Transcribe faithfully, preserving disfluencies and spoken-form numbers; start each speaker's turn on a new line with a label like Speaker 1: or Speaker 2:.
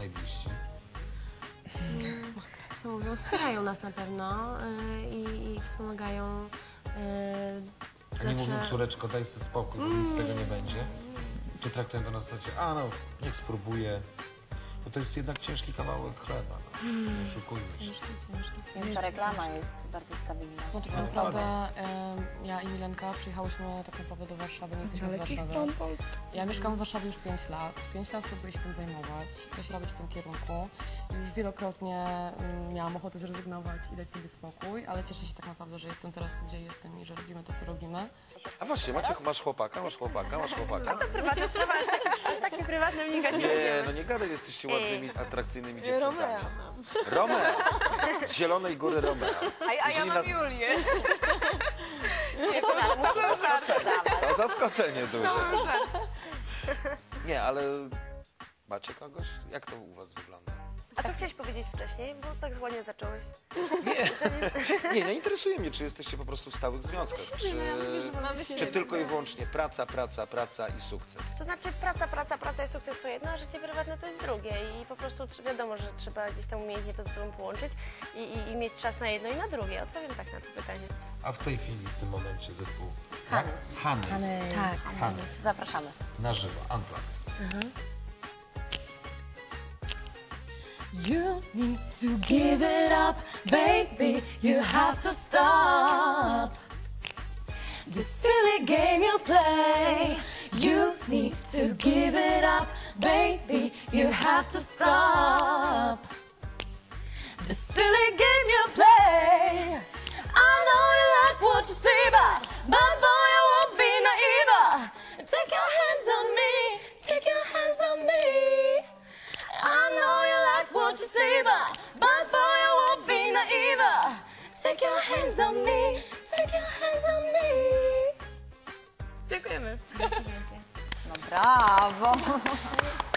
Speaker 1: najbliżsi?
Speaker 2: Co mówią, wspierają nas na pewno y, i, i wspomagają. Y,
Speaker 1: A nie mówią, córeczko, daj sobie spokój, bo nic z tego nie będzie? Czy traktują to na zasadzie, a no, niech spróbuję. Bo to jest jednak ciężki kawałek chleba, no. Nie oszukujmy się.
Speaker 2: Ciężki, ciężki,
Speaker 3: Więc ta reklama jest bardzo stabilna.
Speaker 4: No tak naprawdę em, ja i Milenka przyjechałyśmy tak naprawdę do Warszawy, nie jesteśmy z Warszawy. Ja mieszkam w Warszawie już pięć lat. pięć lat próbuję się tym zajmować, coś robić w tym kierunku. Już wielokrotnie mm, miałam ochotę zrezygnować i dać sobie spokój, ale cieszę się tak naprawdę, że jestem teraz tu, gdzie jestem i że robimy to, co robimy.
Speaker 5: A właśnie, Maciek, masz chłopaka, masz chłopaka, masz chłopaka.
Speaker 6: To prywatna sprawa, aż takie, aż takie prywatne wnikać nie
Speaker 5: Nie,
Speaker 6: będziemy.
Speaker 5: no nie gadaj, jesteście ładnymi, atrakcyjnymi dziewczynkami.
Speaker 3: Romea mam.
Speaker 5: Romeo! Z Zielonej Góry Romeo.
Speaker 6: A, a ja
Speaker 5: Jeżeli
Speaker 6: mam
Speaker 5: na-
Speaker 6: Julię.
Speaker 3: Dziewczyna musi coś sprzedawać.
Speaker 5: To zaskoczenie duże. Nie, ale macie kogoś? Jak to u was wygląda?
Speaker 6: A co chciałeś powiedzieć wcześniej? Bo tak ładnie zacząłeś.
Speaker 5: Nie, nie interesuje mnie, czy jesteście po prostu w stałych związkach, czy, czy tylko i wyłącznie praca, praca, praca i sukces.
Speaker 6: To znaczy praca, praca, praca i sukces to jedno, a życie prywatne to jest drugie. I po prostu tr- wiadomo, że trzeba gdzieś tam umiejętnie to ze sobą połączyć i, i, i mieć czas na jedno i na drugie. Odpowiem tak na to pytanie.
Speaker 1: A w tej chwili, w tym momencie zespół?
Speaker 3: Hannes.
Speaker 1: Hannes.
Speaker 2: Tak.
Speaker 1: Hannes.
Speaker 3: Zapraszamy.
Speaker 1: Na żywo, unplugged.
Speaker 7: You need to give it up, baby. You have to stop the silly game you play. You need to give it up, baby. You have to stop the silly game you play. I know you like what you see, but, but boy, I won't be naive. Take your hands on me, take your hands on me. I know you like what you see, but, but boy, I won't be naive. Take your hands on me, take your hands on me.
Speaker 6: Dziękujemy.
Speaker 3: No brawo.